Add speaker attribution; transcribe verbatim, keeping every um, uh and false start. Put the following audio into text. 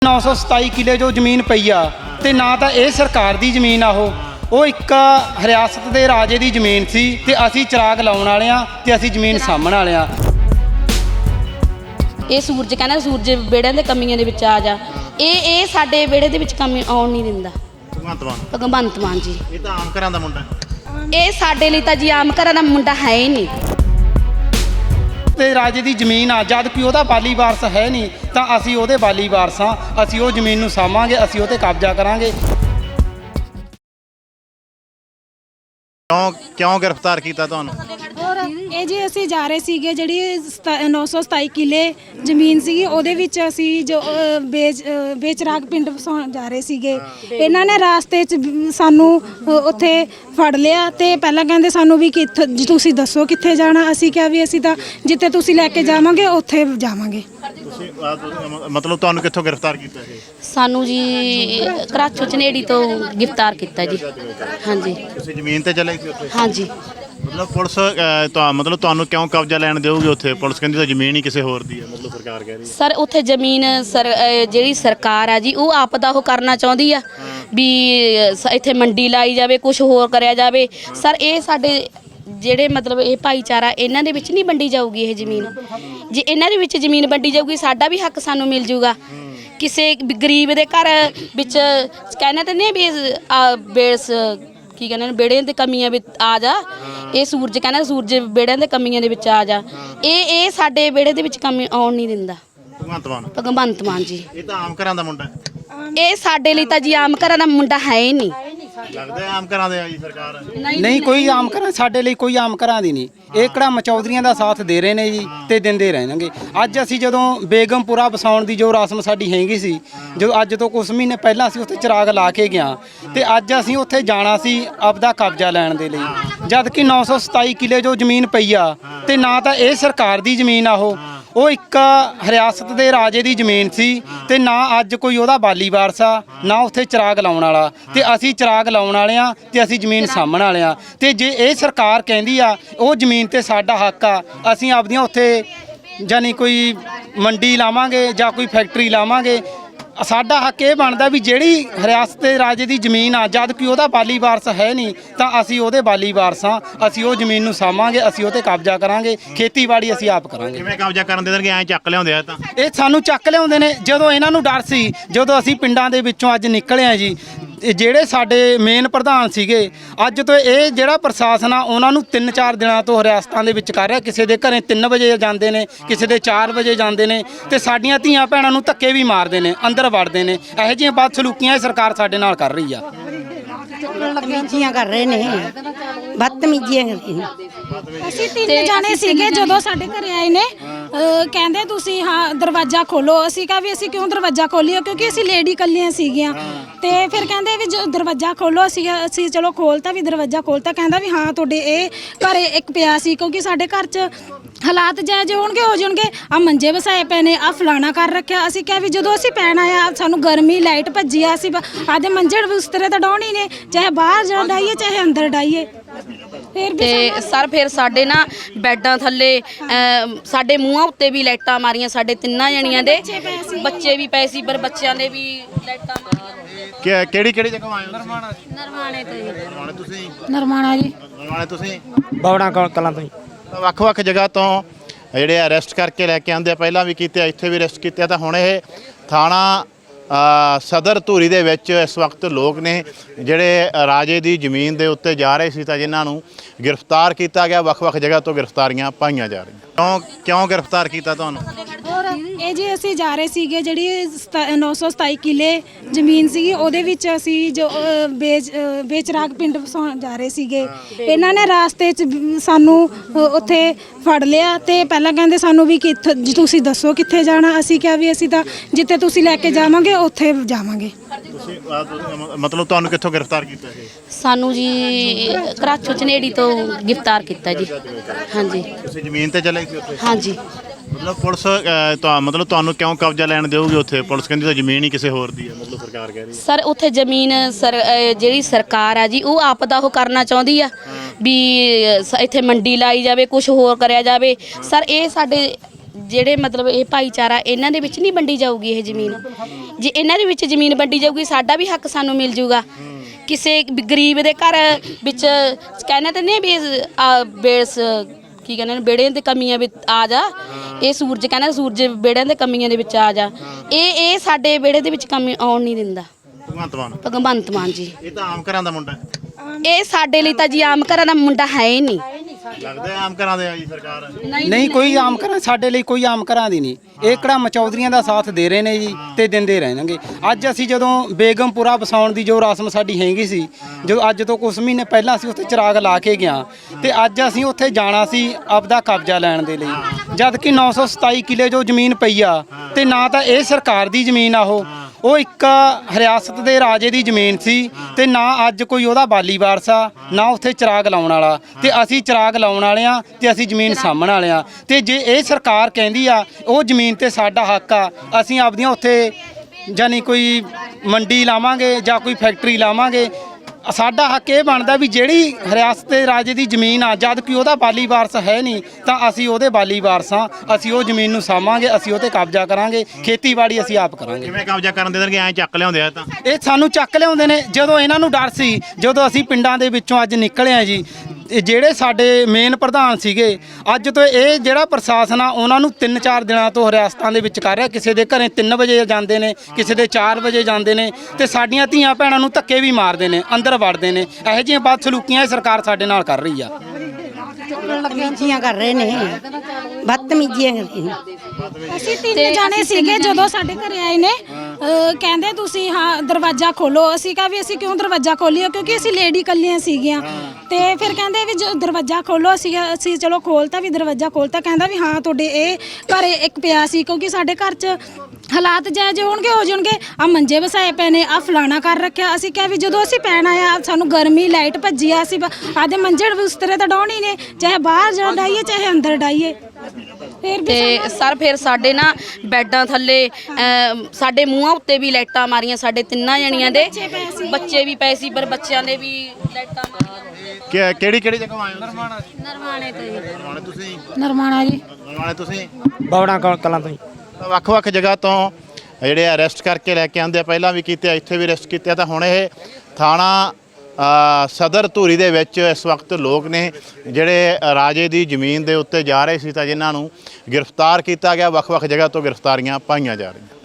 Speaker 1: नौ सौ सताई किले जो ਜ਼ਮੀਨ ਪਈ ਆ ਤੇ ਨਾ ਤਾਂ ਇਹ ਸਰਕਾਰ ਦੀ ਜ਼ਮੀਨ ਆ ਉਹ ਉਹ ਇੱਕ ਹਰਿਆਸਤ ਦੇ ਰਾਜੇ ਦੀ ਜ਼ਮੀਨ ਸੀ ਤੇ ਅਸੀਂ ਚਿਰਾਗ ਲਾਉਣ ਵਾਲੇ ਆ ਤੇ ਅਸੀਂ ਜ਼ਮੀਨ ਸਾਂਭਣ ਵਾਲੇ ਆ।
Speaker 2: ਇਹ ਸੂਰਜ ਕਹਿੰਦਾ ਸੂਰਜ ਵਿਹੜਿਆਂ ਦੇ ਕਮੀਆਂ ਦੇ ਵਿੱਚ ਆ ਜਾ। ਇਹ ਇਹ ਸਾਡੇ ਵਿਹੜੇ ਦੇ ਵਿੱਚ ਕਮੀ ਆਉਣ ਨਹੀਂ ਦਿੰਦਾ।
Speaker 3: ਭਗਵੰਤ ਮਾਨ
Speaker 2: ਭਗਵੰਤ ਮਾਨ ਜੀ
Speaker 3: ਇਹ ਤਾਂ ਆਮ ਘਰਾਂ ਦਾ ਮੁੰਡਾ।
Speaker 2: ਇਹ ਸਾਡੇ ਲਈ ਤਾਂ ਜੀ ਆਮ ਘਰਾਂ ਦਾ ਮੁੰਡਾ ਹੈ ਹੀ ਨਹੀਂ।
Speaker 1: ਤੇ ਰਾਜੇ ਦੀ ਜ਼ਮੀਨ ਆ ਜਦ ਕਿ ਉਹਦਾ ਬਾਲੀ ਵਾਰਸ ਹੈ ਨਹੀਂ ਤਾਂ ਅਸੀਂ ਉਹਦੇ ਬਾਲੀ ਵਾਰਸ ਆ। ਅਸੀਂ ਉਹ ਜ਼ਮੀਨ ਨੂੰ ਸਾਂਭਾਂਗੇ, ਅਸੀਂ ਉਹ ਤੇ ਕਬਜ਼ਾ ਕਰਾਂਗੇ।
Speaker 3: ਕਿਉਂ ਕਿਉਂ ਗ੍ਰਿਫਤਾਰ ਕੀਤਾ ਤੁਹਾਨੂੰ?
Speaker 4: ਇਹ ਜੀ ਅਸੀਂ ਜਾ ਰਹੇ ਸੀਗੇ ਜਿਹੜੀ ਨੌ ਸੌ ਸਤਾਈ ਕਿਲੇ ਜ਼ਮੀਨ ਸੀਗੀ ਉਹਦੇ ਵਿੱਚ ਅਸੀਂ ਜੋ ਅ, ਬੇਚ ਅ, ਬੇਚਰਾਗ ਪਿੰਡ ਵਸਾਉਣ ਜਾ ਰਹੇ ਸੀਗੇ। ਇਹਨਾਂ ਨੇ ਰਾਸਤੇ 'ਚ ਸਾਨੂੰ ਅ, ਉੱਥੇ ਫੜ ਲਿਆ ਤੇ ਪਹਿਲਾਂ ਕਹਿੰਦੇ ਸਾਨੂੰ ਵੀ ਕਿੱਥੇ ਤੁਸੀਂ ਦੱਸੋ ਕਿੱਥੇ ਜਾਣਾ। ਅਸੀਂ ਕਿਹਾ ਵੀ ਅਸੀਂ ਤਾਂ ਜਿੱਥੇ ਤੁਸੀਂ ਲੈ ਕੇ ਜਾਵਾਂਗੇ ਉੱਥੇ ਜਾਵਾਂਗੇ।
Speaker 3: ਤੁਸੀਂ ਆਹ ਤੁਸੀਂ- ਮਤਲਬ ਤੁਹਾਨੂੰ ਕਿੱਥੋਂ ਗ੍ਰਿਫਤਾਰ ਕੀਤਾ ਇਹ?
Speaker 2: ਸਾਨੂੰ ਜੀ ਕਰਾਚੋ ਚਨੇੜੀ ਤੋਂ ਗ੍ਰਿਫਤਾਰ ਕੀਤਾ ਜੀ। ਹਾਂਜੀ
Speaker 3: ਤੁਸੀਂ ਜ਼ਮੀਨ ਤੇ ਚਲੇ ਸੀ ਉੱਥੇ?
Speaker 2: ਹਾਂਜੀ
Speaker 3: ਮਤਲਬ ਪੁਲਿਸ ਅਹ, ਤਾਂ ਮਤਲਬ ਤੁਹਾਨੂੰ ਕਿਉਂ ਕਬਜ਼ਾ ਲੈਣ ਦੇਊਗੀ ਉੱਥੇ? ਪੁਲਿਸ ਕਹਿੰਦੀ ਤਾਂ ਜ਼ਮੀਨ ਹੀ ਕਿਸੇ ਹੋਰ ਦੀ ਹੈ, ਮਤਲਬ ਸਰਕਾਰ ਕਹਿ ਰਹੀ ਹੈ।
Speaker 2: ਸਰ ਉੱਥੇ ਜ਼ਮੀਨ ਸਰ ਅਹ ਜਿਹੜੀ ਸਰਕਾਰ ਆ ਜੀ ਉਹ ਆਪ ਦਾ ਉਹ ਕਰਨਾ ਚਾਹੁੰਦੀ ਆ ਵੀ ਸ- ਇੱਥੇ ਮੰਡੀ ਲਾਈ ਜਾਵੇ, ਕੁਝ ਹੋਰ ਕਰਿਆ ਜਾਵੇ। ਸਰ ਇਹ ਸਾਡੇ ਜਿਹੜੇ ਮਤਲਬ ਇਹ ਭਾਈਚਾਰਾ ਇਹਨਾਂ ਦੇ ਵਿੱਚ ਨਹੀਂ ਵੰਡੀ ਜਾਊਗੀ ਇਹ ਜ਼ਮੀਨ। ਜੇ ਇਹਨਾਂ ਦੇ ਵਿੱਚ ਜ਼ਮੀਨ ਵੰਡੀ ਜਾਊਗੀ ਸਾਡਾ ਵੀ ਹੱਕ ਸਾਨੂੰ ਮਿਲ ਜੂਗਾ। ਕਿਸੇ ਵੀ ਗਰੀਬ ਦੇ ਘਰ ਵਿੱਚ ਕਹਿੰਦੇ ਤਾਂ ਨਹੀਂ ਵੀ ਆ ਬੇਸ ਕੀ ਕਹਿੰਦੇ ਨੇ ਵਿਹੜਿਆਂ ਦੇ ਕਮੀਆਂ ਵਿੱਚ ਆ ਜਾ। ਇਹ ਸੂਰਜ ਕਹਿੰਦਾ ਸੂਰਜ ਵਿਹੜਿਆਂ ਦੇ ਕਮੀਆਂ ਦੇ ਵਿੱਚ ਆ ਜਾ। ਇਹ ਇਹ ਸਾਡੇ ਵਿਹੜੇ ਦੇ ਵਿੱਚ ਕਮੀ ਆਉਣ ਨਹੀਂ ਦਿੰਦਾ।
Speaker 3: ਭਗਵੰਤ ਮਾਨ
Speaker 2: ਭਗਵੰਤ ਮਾਨ ਜੀ
Speaker 3: ਇਹ ਤਾਂ ਆਮ ਘਰਾਂ ਦਾ ਮੁੰਡਾ।
Speaker 2: ਇਹ ਸਾਡੇ ਲਈ ਤਾਂ ਜੀ ਆਮ ਘਰਾਂ ਦਾ ਮੁੰਡਾ ਹੈ ਹੀ ਨਹੀਂ।
Speaker 3: ਲੱਗਦਾ ਆਮ ਘਰਾਂ ਦੇ ਆ ਜੀ ਸਰਕਾਰ।
Speaker 1: ਨਹੀਂ ਕੋਈ ਆਮ ਘਰਾਂ ਸਾਡੇ ਲਈ ਕੋਈ ਆਮ ਘਰਾਂ ਦੀ ਨਹੀਂ। ਇਹ ਕਿਹੜਾ ਮਚੌਧਰੀਆਂ ਦਾ ਸਾਥ ਦੇ ਰਹੇ ਨੇ ਜੀ ਤੇ ਦਿੰਦੇ ਰਹਿਣਗੇ। ਅੱਜ ਅਸੀਂ ਜਦੋਂ ਬੇਗਮਪੁਰਾ ਵਸਾਉਣ ਦੀ ਜੋ ਰਸਮ ਸਾਡੀ ਹੈਗੀ ਸੀ, ਜਦੋਂ ਅੱਜ ਤੋਂ ਕੁਝ ਮਹੀਨੇ ਪਹਿਲਾਂ ਅਸੀਂ ਉੱਥੇ ਚਿਰਾਗ ਲਾ ਕੇ ਗਿਆ ਤੇ ਅੱਜ ਅਸੀਂ ਉੱਥੇ ਜਾਣਾ ਸੀ ਆਪਦਾ ਕਬਜ਼ਾ ਲੈਣ ਦੇ ਲਈ। ਜਦ ਕਿ ਨੌ ਸੌ ਸਤਾਈ ਕਿਲੇ ਜੋ ਜ਼ਮੀਨ ਪਈ ਆ ਤੇ ਨਾ ਤਾਂ ਇਹ ਸਰਕਾਰ ਦੀ ਜ਼ਮੀਨ ਆ ਉਹ ਉਹ ਇੱਕ ਹਰਿਆਸਤ ਦੇ ਰਾਜੇ ਦੀ ਜ਼ਮੀਨ ਸੀ ਤੇ ਨਾ ਅੱਜ ਕੋਈ ਉਹਦਾ ਬਾਲੀ ਵਾਰਸ ਆ, ਨਾ ਉੱਥੇ ਚਿਰਾਗ ਲਾਉਣ ਵਾਲਾ ਤੇ ਅਸੀਂ ਚਿਰਾਗ ਲਾਉਣ ਵਾਲੇ ਆ ਤੇ ਅਸੀਂ ਜ਼ਮੀਨ ਸਾਂਭਣ ਵਾਲੇ ਆ। ਤੇ ਜੇ ਇਹ ਸਰਕਾਰ ਕਹਿੰਦੀ ਆ ਉਹ ਜ਼ਮੀਨ ਤੇ ਸਾਡਾ ਹੱਕ ਆ, ਅਸੀਂ ਆਪਦੀਆਂ ਉੱਥੇ ਜਾਨੀ ਕੋਈ ਮੰਡੀ ਲਾਵਾਂਗੇ ਜਾਂ ਕੋਈ ਫੈਕਟਰੀ ਲਾਵਾਂਗੇ। ਸਾਡਾ ਹੱਕ ਇਹ ਬਣਦਾ ਵੀ ਜਿਹੜੀ ਹਰਿਆਸਤ ਦੇ ਰਾਜੇ ਦੀ ਜ਼ਮੀਨ ਆ ਜਦ ਕਿ ਉਹਦਾ ਬਾਲੀ ਵਾਰਸ ਹੈ ਨਹੀਂ ਤਾਂ ਅਸੀਂ ਉਹਦੇ ਬਾਲੀ ਵਾਰਸ ਆ। ਅਸੀਂ ਉਹ ਜ਼ਮੀਨ ਨੂੰ ਸਾਂਭਾਂਗੇ, ਅਸੀਂ ਉਹ ਤੇ ਕਬਜ਼ਾ ਕਰਾਂਗੇ। ਖੇਤੀਬਾੜੀ ਅਸੀਂ ਆਪ ਕਰਾਂਗੇ।
Speaker 3: ਕਿਵੇਂ ਕਬਜ਼ਾ ਕਰਨ ਦੇ ਦੇਣਗੇ? ਐਂ ਚੱਕ ਲਿਆਉਂਦੇ ਆ ਤਾਂ
Speaker 1: ਇਹ ਸਾਨੂੰ ਚੱਕ ਲਿਆਉਂਦੇ ਨੇ। ਜਦੋਂ ਇਹਨਾਂ ਨੂੰ ਡਰ ਸੀ, ਜਦੋਂ ਅਸੀਂ ਪਿੰਡਾਂ ਦੇ ਵਿੱਚੋਂ ਅੱਜ ਨਿਕਲੇ ਆ ਜੀ, ਇਹ ਜਿਹੜੇ ਸਾਡੇ ਮੇਨ ਪ੍ਰਧਾਨ ਸੀਗੇ ਅੱਜ ਤੋਂ ਇਹ ਜਿਹੜਾ ਪ੍ਰਸ਼ਾਸਨ ਆ ਉਹਨਾਂ ਨੂੰ ਤਿੰਨ ਚਾਰ ਦਿਨਾਂ ਤੋਂ ਹਰਿਆਸਤਾਂ ਦੇ ਵਿੱਚ ਕਰ ਰਿਹਾ। ਕਿਸੇ ਦੇ ਘਰੇ ਤਿੰਨ ਵਜੇ ਜਾਂਦੇ ਨੇ, ਕਿਸੇ ਦੇ ਚਾਰ ਵਜੇ ਜਾਂਦੇ ਨੇ ਤੇ ਸਾਡੀਆਂ ਧੀਆਂ ਭੈਣਾਂ ਨੂੰ ਧੱਕੇ ਵੀ ਮਾਰਦੇ ਨੇ, ਅੰਦਰ ਵੜਦੇ ਨੇ। ਇਹੋ ਜਿਹੀਆਂ ਬਦਸਲੂਕੀਆਂ ਇਹ ਸਰਕਾਰ ਸਾਡੇ ਨਾਲ ਕਰ ਰਹੀ ਆ।
Speaker 5: ਬਦਤਮੀਜ਼ੀਆਂ ਕਰ ਰਹੇ ਨੇ ਬਦਤਮੀਜ਼ੀਆਂ ਕਰ ਰਹੇ ਨੇ।
Speaker 4: ਅਸੀਂ ਤਿੰਨ ਜਾਣੇ ਸੀਗੇ ਜਦੋਂ ਸਾਡੇ ਘਰੇ ਆਏ ਨੇ। ਅ, ਕਹਿੰਦੇ ਤੁਸੀਂ ਹਾਂ ਦਰਵਾਜ਼ਾ ਖੋਲੋ। ਅਸੀਂ ਕਿਹਾ ਵੀ ਅਸੀਂ ਕਿਉਂ ਦਰਵਾਜ਼ਾ ਖੋਲੀਏ ਕਿਉਂਕਿ ਅਸੀਂ ਲੇਡੀ ਕੱਲੀਆਂ ਸੀਗੀਆਂ। ਤੇ ਫਿਰ ਕਹਿੰਦੇ ਵੀ ਜੋ ਦਰਵਾਜ਼ਾ ਖੋਲੋ। ਅਸੀਂ ਅਸੀਂ ਚਲੋ ਖੋਲਤਾ ਵੀ ਦਰਵਾਜ਼ਾ ਖੋਲਤਾ। ਕਹਿੰਦਾ ਵੀ ਹਾਂ ਤੁਹਾਡੇ ਇਹ ਘਰੇ ਇੱਕ ਪਿਆ ਸੀ ਕਿਉਂਕਿ ਸਾਡੇ ਘਰ 'ਚ ਹਾਲਾਤ ਜਿਹੋ ਜਿਹੇ ਹੋਣਗੇ ਹੋ ਜਾਣਗੇ। ਆ ਮੰਜੇ ਵਸਾਏ ਪਏ ਨੇ, ਆ ਫਲਾਣਾ ਕਰ ਰੱਖਿਆ। ਅਸੀਂ ਕਿਹਾ ਵੀ ਜਦੋਂ ਅਸੀਂ ਪੈਣ ਆਇਆ ਸਾਨੂੰ ਗਰਮੀ ਲਾਈਟ ਭੱਜੀ ਆ, ਅਸੀਂ ਆਦੇ ਮੰਜੇ ਬਿਸਤਰੇ ਤਾਂ ਡਾਉਣੀ ਨੇ, ਚਾਹੇ ਬਾਹਰ ਜਾ ਡਾਈਏ ਚਾਹੇ ਅੰਦਰ ਡਾਈਏ। ਫਿਰ
Speaker 2: ਤੇ ਸਰ ਫਿਰ ਸਾਡੇ ਨਾ ਬੈੱਡਾਂ ਥੱਲੇ ਅਮ, ਸਾਡੇ ਮੂੰਹਾਂ ਉੱਤੇ ਵੀ ਲਾਈਟਾਂ ਮਾਰੀਆਂ। ਸਾਡੇ ਤਿੰਨਾਂ ਜਣੀਆਂ ਦੇ ਬੱਚੇ ਵੀ ਪਏ ਸੀ ਪਰ ਬੱਚਿਆਂ ਦੇ ਵੀ ਲਾਈਟਾਂ ਮਾਰੀਆਂ।
Speaker 3: ਕਿ ਕਿਹੜੀ ਕਿਹੜੀ ਜਗ੍ਹਾ ਆਏ ਹੋ? ਨਰਮਾਣਾ
Speaker 2: ਨਰਮਾਣੇ ਤੋਂ ਜੀ।
Speaker 3: ਨਰਮਾਣੇ ਤੁਸੀਂ?
Speaker 4: ਨਰਮਾਣਾ ਜੀ।
Speaker 3: ਨਰਮਾਣੇ ਤੁਸੀਂ?
Speaker 6: ਬੌੜਾ ਕਲਾਂ ਤੋਂ ਜੀ।
Speaker 3: ਤਾਂ ਵੱਖ-ਵੱਖ ਜਗ੍ਹਾ ਤੋਂ ਜਿਹੜੇ ਅਰੈਸਟ ਕਰਕੇ ਲੈ ਕੇ ਆਉਂਦੇ ਆ, ਪਹਿਲਾਂ ਵੀ ਕੀਤੇ, ਇੱਥੇ ਵੀ ਅਰੈਸਟ ਕੀਤੇ। ਤਾਂ ਹੁਣ ਇਹ ਥਾਣਾ ਅ, ਸਦਰ ਧੂਰੀ ਦੇ ਵਿੱਚ ਇਸ ਵਕਤ ਲੋਕ ਨੇ ਜਿਹੜੇ ਰਾਜੇ ਦੀ ਜ਼ਮੀਨ ਦੇ ਉੱਤੇ ਜਾ ਰਹੇ ਸੀ ਤਾਂ ਜਿਨ੍ਹਾਂ ਨੂੰ ਗ੍ਰਿਫਤਾਰ ਕੀਤਾ ਗਿਆ। ਵੱਖ-ਵੱਖ ਜਗ੍ਹਾ ਤੋਂ ਗ੍ਰਿਫਤਾਰੀਆਂ ਪਾਈਆਂ ਜਾ ਰਹੀਆਂ। ਕਿਉਂ ਕਿਉਂ ਗ੍ਰਿਫਤਾਰ ਕੀਤਾ ਤੁਹਾਨੂੰ?
Speaker 4: ਇਹ ਜੀ ਅਸੀਂ ਜਾ ਰਹੇ ਸੀਗੇ ਜਿਹੜੀ ਨੌ ਸੌ ਸਤਾਈ ਕਿਲੇ ਜ਼ਮੀਨ ਸੀਗੀ ਉਹਦੇ ਵਿੱਚ ਅਸੀਂ ਜੋ ਅ, ਬੇਚ ਅ, ਬੇਚਰਾਗ ਪਿੰਡ ਵਸਾਉਣ ਜਾ ਰਹੇ ਸੀਗੇ। ਇਹਨਾਂ ਨੇ ਰਾਸਤੇ 'ਚ ਸਾਨੂੰ ਅ, ਉੱਥੇ ਫੜ ਲਿਆ ਤੇ ਪਹਿਲਾਂ ਕਹਿੰਦੇ ਸਾਨੂੰ ਵੀ ਕਿੱਥੇ ਤੁਸੀਂ ਦੱਸੋ ਕਿੱਥੇ ਜਾਣਾ। ਅਸੀਂ ਕਿਹਾ ਵੀ ਅਸੀਂ ਤਾਂ ਜਿੱਥੇ ਤੁਸੀਂ ਲੈ ਕੇ ਜਾਵਾਂਗੇ ਉੱਥੇ ਜਾਵਾਂਗੇ।
Speaker 3: ਤੁਸੀਂ ਆਹ ਤੁਸੀਂ- ਮਤਲਬ ਤੁਹਾਨੂੰ ਕਿੱਥੋਂ ਗ੍ਰਿਫਤਾਰ ਕੀਤਾ ਇਹ?
Speaker 2: ਸਾਨੂੰ ਜੀ ਕਰਾਚੋ ਚਨੇੜੀ ਤੋਂ ਗ੍ਰਿਫਤਾਰ ਕੀਤਾ ਜੀ। ਹਾਂਜੀ
Speaker 3: ਤੁਸੀਂ ਜ਼ਮੀਨ ਤੇ ਚਲੇ ਸੀ ਉੱਥੇ?
Speaker 2: ਹਾਂਜੀ
Speaker 3: ਮਤਲਬ ਪੁਲਿਸ ਅਹ, ਤਾਂ ਮਤਲਬ ਤੁਹਾਨੂੰ ਕਿਉਂ ਕਬਜ਼ਾ ਲੈਣ ਦੇਊਗੀ ਉੱਥੇ? ਪੁਲਿਸ ਕਹਿੰਦੀ ਤਾਂ ਜ਼ਮੀਨ ਹੀ ਕਿਸੇ ਹੋਰ ਦੀ ਹੈ, ਮਤਲਬ ਸਰਕਾਰ ਕਹਿ ਰਹੀ ਹੈ।
Speaker 2: ਸਰ ਉੱਥੇ ਜ਼ਮੀਨ ਸਰ ਅਹ ਜਿਹੜੀ ਸਰਕਾਰ ਆ ਜੀ ਉਹ ਆਪ ਦਾ ਉਹ ਕਰਨਾ ਚਾਹੁੰਦੀ ਆ ਵੀ ਸ- ਇੱਥੇ ਮੰਡੀ ਲਾਈ ਜਾਵੇ, ਕੁਝ ਹੋਰ ਕਰਿਆ ਜਾਵੇ। ਸਰ ਇਹ ਸਾਡੇ ਜਿਹੜੇ ਮਤਲਬ ਇਹ ਭਾਈਚਾਰਾ ਇਹਨਾਂ ਦੇ ਵਿੱਚ ਨਹੀਂ ਵੰਡੀ ਜਾਊਗੀ ਇਹ ਜ਼ਮੀਨ। ਜੇ ਇਹਨਾਂ ਦੇ ਵਿੱਚ ਜ਼ਮੀਨ ਵੰਡੀ ਜਾਊਗੀ ਸਾਡਾ ਵੀ ਹੱਕ ਸਾਨੂੰ ਮਿਲ ਜੂਗਾ। ਕਿਸੇ ਵੀ ਗਰੀਬ ਦੇ ਘਰ ਵਿੱਚ ਕਹਿੰਦੇ ਤੇ ਨਹੀਂ ਵੀ ਆ ਬੇਸ ਕੀ ਕਹਿੰਦੇ ਨੇ ਬੇੜਿਆਂ ਦੇ ਕਮੀਆਂ ਵਿੱਚ ਆ ਜਾ, ਇਹ ਸੂਰਜ ਕਹਿੰਦਾ ਸੂਰਜ ਬੇੜਿਆਂ ਦੇ ਕਮੀਆਂ ਦੇ ਵਿੱਚ ਆ ਜਾ, ਇਹ ਇਹ ਸਾਡੇ ਬੇੜੇ ਦੇ ਵਿੱਚ ਕਮੀ ਆਉਣ ਨਹੀਂ ਦਿੰਦਾ
Speaker 3: ਭਗਵੰਤ ਮਾਨ।
Speaker 2: ਭਗਵੰਤ ਮਾਨ ਜੀ।
Speaker 3: ਇਹ ਤਾਂ ਆਮ ਘਰਾਂ ਦਾ ਮੁੰਡਾ ਹੈ।
Speaker 2: ਇਹ ਸਾਡੇ ਲਈ ਤਾਂ ਜੀ ਆਮ ਘਰਾਂ ਦਾ ਮੁੰਡਾ ਹੈ ਹੀ ਨਹੀਂ।
Speaker 3: ਲੱਗਦਾ ਹੈ ਆਮ ਘਰਾਂ ਦੇ ਆ ਜੀ ਸਰਕਾਰ।
Speaker 1: ਨਹੀਂ ਕੋਈ ਆਮ ਘਰਾਂ ਸਾਡੇ ਲਈ ਕੋਈ ਆਮ ਘਰਾਂ ਦੀ ਨਹੀਂ। ਇਹ ਕਿਹੜਾ ਮਚੌਧਰੀਆਂ ਦਾ ਸਾਥ ਦੇ ਰਹੇ ਨੇ ਜੀ ਤੇ ਦਿੰਦੇ ਰਹਿਣਗੇ। ਅੱਜ ਅਸੀਂ ਜਦੋਂ ਬੇਗਮਪੁਰਾ ਵਸਾਉਣ ਦੀ ਜੋ ਰਸਮ ਸਾਡੀ ਹੈਗੀ ਸੀ, ਜਦੋਂ ਅੱਜ ਤੋਂ ਕੁਝ ਮਹੀਨੇ ਪਹਿਲਾਂ ਅਸੀਂ ਉੱਥੇ ਚਿਰਾਗ ਲਾ ਕੇ ਗਿਆ ਤੇ ਅੱਜ ਅਸੀਂ ਉੱਥੇ ਜਾਣਾ ਸੀ ਆਪਦਾ ਕਬਜ਼ਾ ਲੈਣ ਦੇ ਲਈ, ਜਦ ਕਿ ਨੌ ਸੌ ਸਤਾਈ ਕਿੱਲੇ ਜੋ ਜ਼ਮੀਨ ਪਈ ਆ ਤੇ ਨਾ ਤਾਂ ਇਹ ਸਰਕਾਰ ਦੀ ਜ਼ਮੀਨ ਆ, ਉਹ ਉਹ ਇੱਕ ਹਰਿਆਸਤ ਦੇ ਰਾਜੇ ਦੀ ਜ਼ਮੀਨ ਸੀ ਤੇ ਨਾ ਅੱਜ ਕੋਈ ਉਹਦਾ ਬਾਲੀ ਵਾਰਸ ਆ, ਨਾ ਉੱਥੇ ਚਿਰਾਗ ਲਾਉਣ ਵਾਲਾ, ਤੇ ਅਸੀਂ ਚਿਰਾਗ ਲਾਉਣ ਵਾਲੇ ਆ ਤੇ ਅਸੀਂ ਜ਼ਮੀਨ ਸਾਂਭਣ ਵਾਲੇ ਆ। ਤੇ ਜੇ ਇਹ ਸਰਕਾਰ ਕਹਿੰਦੀ ਆ ਉਹ ਜ਼ਮੀਨ ਤੇ ਸਾਡਾ ਹੱਕ ਆ, ਅਸੀਂ ਆਪਦੀਆਂ ਉੱਥੇ ਜਾਨੀ ਕੋਈ ਮੰਡੀ ਲਾਵਾਂਗੇ ਜਾਂ ਕੋਈ ਫੈਕਟਰੀ ਲਾਵਾਂਗੇ। ਸਾਡਾ ਹੱਕ ਇਹ ਬਣਦਾ ਵੀ ਜਿਹੜੀ ਹਰਿਆਸਤ ਦੇ ਰਾਜੇ ਦੀ ਜ਼ਮੀਨ ਆ, ਜਦ ਕਿ ਉਹਦਾ ਬਾਲੀ ਵਾਰਸ ਹੈ ਨਹੀਂ, ਤਾਂ ਅਸੀਂ ਉਹਦੇ ਬਾਲੀ ਵਾਰਸ ਹਾਂ, ਅਸੀਂ ਉਹ ਜ਼ਮੀਨ ਨੂੰ ਸਾਂਭਾਂਗੇ, ਅਸੀਂ ਉਹ 'ਤੇ ਕਬਜ਼ਾ ਕਰਾਂਗੇ, ਖੇਤੀਬਾੜੀ ਅਸੀਂ ਆਪ ਕਰਾਂਗੇ।
Speaker 3: ਕਿਵੇਂ ਕਬਜ਼ਾ ਕਰਨ ਦੇ ਦੇਣਗੇ? ਐਂ ਚੱਕ ਲਿਆਉਂਦੇ ਆ ਤਾਂ
Speaker 1: ਇਹ ਸਾਨੂੰ ਚੱਕ ਲਿਆਉਂਦੇ ਨੇ। ਜਦੋਂ ਇਹਨਾਂ ਨੂੰ ਡਰ ਸੀ, ਜਦੋਂ ਅਸੀਂ ਪਿੰਡਾਂ ਦੇ ਵਿੱਚੋਂ ਅੱਜ ਨਿਕਲੇ ਆ ਜੀ, ਇਹ ਜਿਹੜੇ ਸਾਡੇ ਮੇਨ ਪ੍ਰਧਾਨ ਸੀਗੇ, ਅੱਜ ਤੋਂ ਇਹ ਜਿਹੜਾ ਪ੍ਰਸ਼ਾਸਨ ਆ ਉਹਨਾਂ ਨੂੰ ਤਿੰਨ ਚਾਰ ਦਿਨਾਂ ਤੋਂ ਹਰਿਆਸਤਾਂ ਦੇ ਵਿੱਚ ਕਰ ਰਿਹਾ। ਕਿਸੇ ਦੇ ਘਰੇ ਤਿੰਨ ਵਜੇ ਜਾਂਦੇ ਨੇ, ਕਿਸੇ ਦੇ ਚਾਰ ਵਜੇ ਜਾਂਦੇ ਨੇ ਤੇ ਸਾਡੀਆਂ ਧੀਆਂ ਭੈਣਾਂ ਨੂੰ ਧੱਕੇ ਵੀ ਮਾਰਦੇ ਨੇ, ਅੰਦਰ ਵੜਦੇ ਨੇ। ਇਹੋ ਜਿਹੀਆਂ ਬਦਸਲੂਕੀਆਂ ਇਹ ਸਰਕਾਰ ਸਾਡੇ ਨਾਲ ਕਰ ਰਹੀ ਆ।
Speaker 5: ਬਦਤਮੀਜ਼ੀਆਂ ਕਰ ਰਹੇ ਨੇ ਬਦਤਮੀਜ਼ੀਆਂ ਕਰ ਰਹੇ ਨੇ।
Speaker 4: ਅਸੀਂ ਤਿੰਨ ਜਾਣੇ ਸੀਗੇ ਜਦੋਂ ਸਾਡੇ ਘਰੇ ਆਏ ਨੇ, ਅਹ ਕਹਿੰਦੇ ਤੁਸੀਂ ਹਾਂ ਦਰਵਾਜ਼ਾ ਖੋਲੋ। ਅਸੀਂ ਕਿਹਾ ਵੀ ਅਸੀਂ ਕਿਉਂ ਦਰਵਾਜ਼ਾ ਖੋਲੀਏ, ਕਿਉਂਕਿ ਅਸੀਂ ਲੇਡੀ ਕੱਲੀਆਂ ਸੀਗੀਆਂ। ਤੇ ਫਿਰ ਕਹਿੰਦੇ ਵੀ ਜੋ ਦਰਵਾਜ਼ਾ ਖੋਲੋ। ਅਸੀਂ ਅਸੀਂ ਚਲੋ ਖੋਲਤਾ ਵੀ ਦਰਵਾਜ਼ਾ ਖੋਲਤਾ। ਕਹਿੰਦਾ ਵੀ ਹਾਂ ਤੁਹਾਡੇ ਇਹ ਘਰੇ ਇੱਕ ਪਿਆ ਸੀ, ਕਿਉਂਕਿ ਸਾਡੇ ਘਰ 'ਚ ਹਾਲਾਤ ਜਿਹੋ ਜਿਹੇ ਹੋਣਗੇ ਹੋ ਜਾਣਗੇ। ਆ ਮੰਜੇ ਵਸਾਏ ਪਏ ਨੇ, ਆ ਫਲਾਣਾ ਕਰ ਰੱਖਿਆ। ਅਸੀਂ ਕਿਹਾ ਵੀ ਜਦੋਂ ਅਸੀਂ ਪੈਣ ਆਇਆ ਸਾਨੂੰ ਗਰਮੀ ਲਾਈਟ ਭੱਜੀ ਆ, ਅਸੀਂ ਆਦੇ ਮੰਜੇ ਬਿਸਤਰੇ ਤਾਂ ਡਾਉਣੀ ਨੇ, ਚਾਹੇ ਬਾਹਰ ਜਾ ਡਾਈਏ ਚਾਹੇ ਅੰਦਰ ਡਾਈਏ। ਫਿਰ
Speaker 2: ਤੇ ਸਰ ਫਿਰ ਸਾਡੇ ਨਾ ਬੈੱਡਾਂ ਥੱਲੇ ਅਮ, ਸਾਡੇ ਮੂੰਹਾਂ ਉੱਤੇ ਵੀ ਲਾਈਟਾਂ ਮਾਰੀਆਂ, ਸਾਡੇ ਤਿੰਨਾਂ ਜਣੀਆਂ ਦੇ ਬੱਚੇ ਵੀ ਪਏ ਸੀ, ਪਰ ਬੱਚਿਆਂ ਦੇ ਵੀ ਲਾਈਟਾਂ ਮਾਰੀਆਂ।
Speaker 3: ਕਿਹੜੀ ਕਿਹੜੀ ਜਗ੍ਹਾ ਆਏ ਹੋ? ਨਰਮਾਣਾ।
Speaker 2: ਨਰਮਾਣੇ ਤੋਂ ਜੀ।
Speaker 3: ਨਰਮਾਣੇ ਤੁਸੀਂ?
Speaker 4: ਨਰਮਾਣਾ ਜੀ।
Speaker 3: ਨਰਮਾਣੇ ਤੁਸੀਂ?
Speaker 1: ਬੌੜਾ ਕਲਾਂ ਤੋਂ।
Speaker 3: ਵੱਖ-ਵੱਖ ਜਗ੍ਹਾ ਤੋਂ ਜਿਹੜੇ ਅਰੈਸਟ ਕਰਕੇ ਲੈ ਕੇ ਆਉਂਦੇ ਆ, ਪਹਿਲਾਂ ਵੀ ਕੀਤੇ, ਇੱਥੇ ਵੀ ਅਰੈਸਟ ਕੀਤੇ, ਤਾਂ ਹੁਣ ਇਹ ਥਾਣਾ ਸਦਰ ਧੂਰੀ ਦੇ ਵਿੱਚ ਇਸ ਵਕਤ ਲੋਕ ਨੇ ਜਿਹੜੇ ਰਾਜੇ ਦੀ ਜ਼ਮੀਨ ਦੇ ਉੱਤੇ ਜਾ ਰਹੇ ਸੀ, ਤਾਂ ਜਿਨ੍ਹਾਂ ਨੂੰ ਗ੍ਰਿਫਤਾਰ ਕੀਤਾ ਗਿਆ। ਵੱਖ-ਵੱਖ ਜਗ੍ਹਾ ਤੋਂ ਗ੍ਰਿਫਤਾਰੀਆਂ ਪਾਈਆਂ ਜਾ ਰਹੀਆਂ।